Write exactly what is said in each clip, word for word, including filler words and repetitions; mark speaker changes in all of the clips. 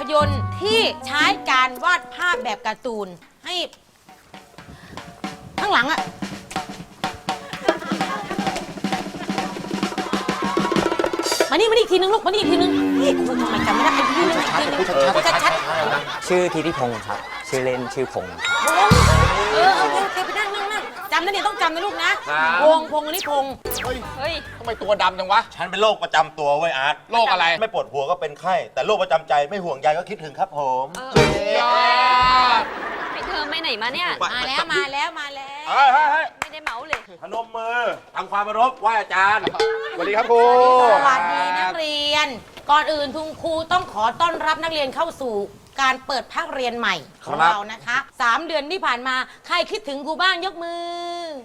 Speaker 1: ยนตร์ที่ใช้การวาดภาพแบบการ์ตูนให้ข้างหลังอะมานี่มานี่อีกทีนึงลูกมานี่อีกทีนึงนี่คุณทำไมจำไม่ได้อีกทีนึงอีกทีนึงชัดชัด
Speaker 2: ชื่อธิติพงศ์ครับชื่อเล่นชื่อพงศ์
Speaker 1: เออโอเคโอเคไปนั่งนั่งนั่งจำนะเนี่ยต้องจำนะลูกนะพงพงอันนี้พงเฮ้ยเฮ้ย
Speaker 3: ทำไมตัวดำจังวะ
Speaker 4: ฉันเป็นโรคประจำตัวเว้ยอาร์ต
Speaker 3: โรคอะไร
Speaker 4: ไม่ปวดหัวก็เป็นไข้ แต่โรคประจำใจไม่ห่วงใยก็คิดถึงครับผม
Speaker 3: ยอด
Speaker 5: ไปเธอไปไหนมาเนี่ย
Speaker 1: มาแล้วมาแล้วมาแล้ว
Speaker 4: เฮ้ยเฮ้ยเฮ้ย
Speaker 5: ไม่ได้เมาเลย
Speaker 4: พนมมือทำความเคารพไหว้อาจารย์
Speaker 3: สวัสดีครับครู
Speaker 1: สวัสดีนักเรียน ก่อนอื่นทุงครูต้องขอต้อนรับนักเรียนเข้าสู่การเปิดภาคเรียนใหม่ของเรานะคะสามเดือนที่ผ่านมาใครคิดถึงครูบ้างยกมือ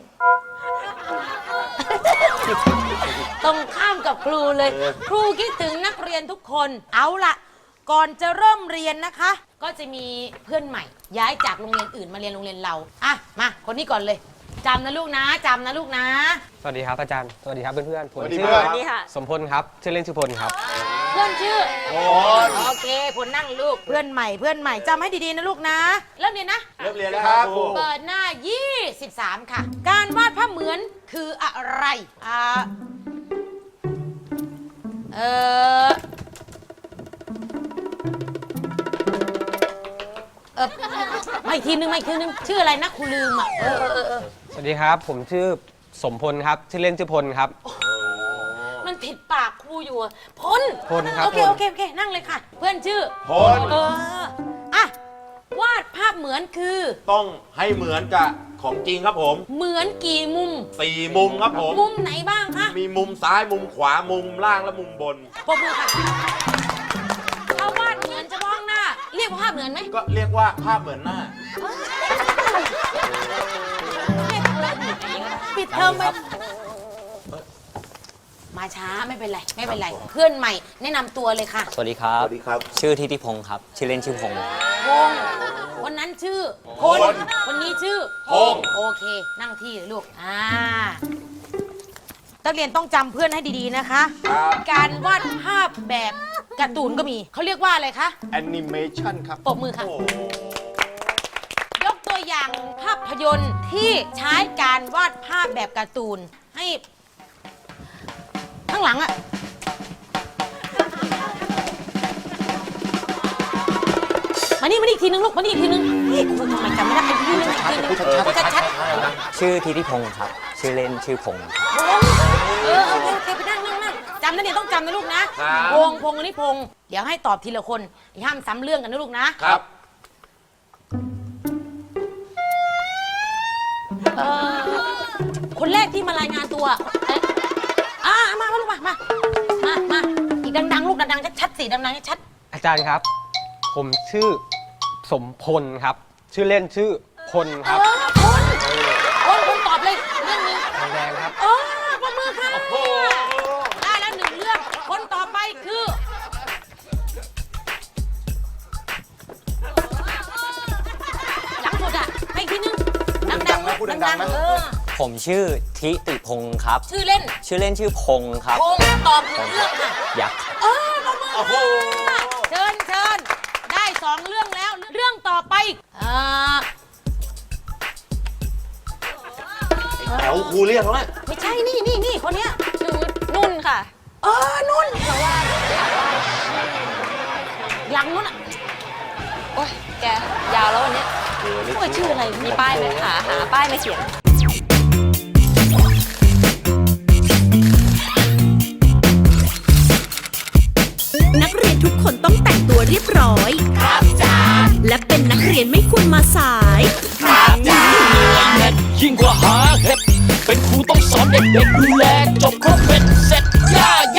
Speaker 1: ตรงข้ามกับครูเลย ครูคิดถึงนักเรียนทุกคนเอาล่ะ ก่อนจะเริ่มเรียนนะคะ ก็จะมีเพื่อนใหม่ ย้ายจากโรงเรียนอื่นมาเรียนโรงเรียนเราอ่ะมาคนนี้ก่อนเลยจำนะลูกนะจำนะลูกนะ
Speaker 6: สวัสดีครับอาจารย์ สวัสดีครับเพื่อนๆผม
Speaker 3: สวัสดี
Speaker 6: ชื่
Speaker 3: เพื่
Speaker 6: อ
Speaker 3: อน
Speaker 5: นี่ค่ะ
Speaker 6: สมพลครับ ชื่อเล่นชื่อพลครับ
Speaker 1: เพื่อนชื่อ
Speaker 4: โอ้
Speaker 1: โอเคผลนั่งลูกเพื่อนใหม่เพื่อนใหม่จำให้ดีๆนะลูกนะเริ่มเรียนนะ
Speaker 4: เริ่มเรียนแล้วครับครู
Speaker 1: เปิดหน้า ยี่สิบสาม ค่ะ การวาดภาพเหมือนคืออะไรอ่าเออเออมาอีกทีนึงมาอีกทีนึงชื่ออะไรนะครูลืมอ่ะเออเออเออเออ
Speaker 6: สวัสดีครับ ผมชื่อสมพลครับ ชื่อเล่นชื่อพลครับ
Speaker 1: มันผิดปากครูอยู่อะพล
Speaker 6: พลครับ
Speaker 1: โอเค
Speaker 6: พล
Speaker 1: โอเคโอเคนั่งเลยค่ะ เพื่อนชื่อ
Speaker 4: พล
Speaker 1: เอออ่ะวาดภาพเหมือนคือ
Speaker 4: ต้องให้เหมือนกับของจริงครับผม
Speaker 1: เหมือนกี่มุม
Speaker 4: สี่มุมครับผม
Speaker 1: มุมไหนบ้างคะ
Speaker 4: มีมุมซ้ายมุมขวามุมล่างและมุมบน
Speaker 1: ปรบมือค่ะถ้าวาดเหมือนเฉพาะหน้า เรียกว่าภาพเหมือนไหม
Speaker 4: ก็เรียกว่าภาพเหมือนหน้า
Speaker 1: ปิดเทอมไปมาช้าไม่เป็นไรไม่เป็นไร เพื่อนใหม่แนะนำตัวเลยค่ะ
Speaker 2: สวัสดีครับ
Speaker 4: สวัสดีครับ
Speaker 2: ชื่อธิติพงศ์ครับชื่อเล่นชื่อพงศ์
Speaker 1: พงษ์วันนั้นชื่อพลวันนี้ชื่อ
Speaker 4: พงษ์
Speaker 1: โอเค นั่งที่เลยลูกอ่านักเรียนต้องจำเพื่อนให้ดีๆนะคะ
Speaker 4: ครับ
Speaker 1: การวาดภาพแบบการ์ตูนก็มีเขาเรียกว่าอะไรคะ
Speaker 3: แอนิเมชันครับ
Speaker 1: ปรบมือค่ะ
Speaker 4: โอ้
Speaker 1: ยกตัวอย่างภาพยนตร์ที่ใช้การวาดภาพแบบการ์ตูนให้ข้างหลังอะมานี่มานี่อีกทีนึงลูกมานี่อีกทีนึงนี่คุณทำไมจำไม่ได้อีกทีนึงอีกทีนึงชัดชัด
Speaker 2: ชื่อธิติพงศ์ครับชื่อเล่นชื่อพงศ์
Speaker 1: เออโอเคโอเคไปนั่งนั่งนั่งจำนะเนี่ยต้องจำนะลูกนะพงพงอันนี้พงเดี๋ยวให้ตอบทีละคนห้ามซ้ำเรื่องกันนะลูกนะครับ เออคนแรกที่มารายงานตัวเอ๊ะอ่ามามาลูกมามามามาอีกดังๆลูกดังๆชัดๆสิดังๆชัด
Speaker 6: อาจารย์ครับ ผมชื่อสมพลครับ ชื่อเล่นชื่อพล
Speaker 1: ๆ
Speaker 6: ครับ
Speaker 1: เออคนคนคนตอบเลยเรื่องนี้
Speaker 6: แดงครับ
Speaker 1: เออปรบมือค่ะได้แล้วหนึ่งเรื่องคนต่อไปคือหลังสุดอ่ะให้อีกทีนึงดังๆนะดังๆเออ
Speaker 2: ผมชื่อธิติพงศ์ครับ
Speaker 1: ชื่อเล่น
Speaker 2: ชื่อเล่นชื่อพงศ์ครับ
Speaker 1: พงตอบหนึ่งเรื่องค่ะ
Speaker 2: ยักษ์ครับ
Speaker 1: เออปรบมือค่ะเชิญเชิญได้สองเรื่องแล้ว เรื่องต่อไปเอ่อ
Speaker 4: แถวครูเรียกแล้วนะ
Speaker 1: ไม่ใช่นี่นี่นี่คนเนี้ย
Speaker 5: หนูนุ่นค่ะ
Speaker 1: เออนุ่นหลังนุ่นอ่ะ
Speaker 5: โอ๊ย แก ยาวแล้ววันเนี้ย
Speaker 1: โอ้ยชื่ออะไร
Speaker 5: มีป้ายไหมหาหาป้ายมาเขียน
Speaker 7: นักเรียนทุกคนต้องแต่งตัวเรียบร้อย ครับจ้าและเป็นนักเรียนไม่ควรมาสาย
Speaker 8: ยิ่งกว่าหาเห็ดเป็นครูต้องสอนเด็กๆดู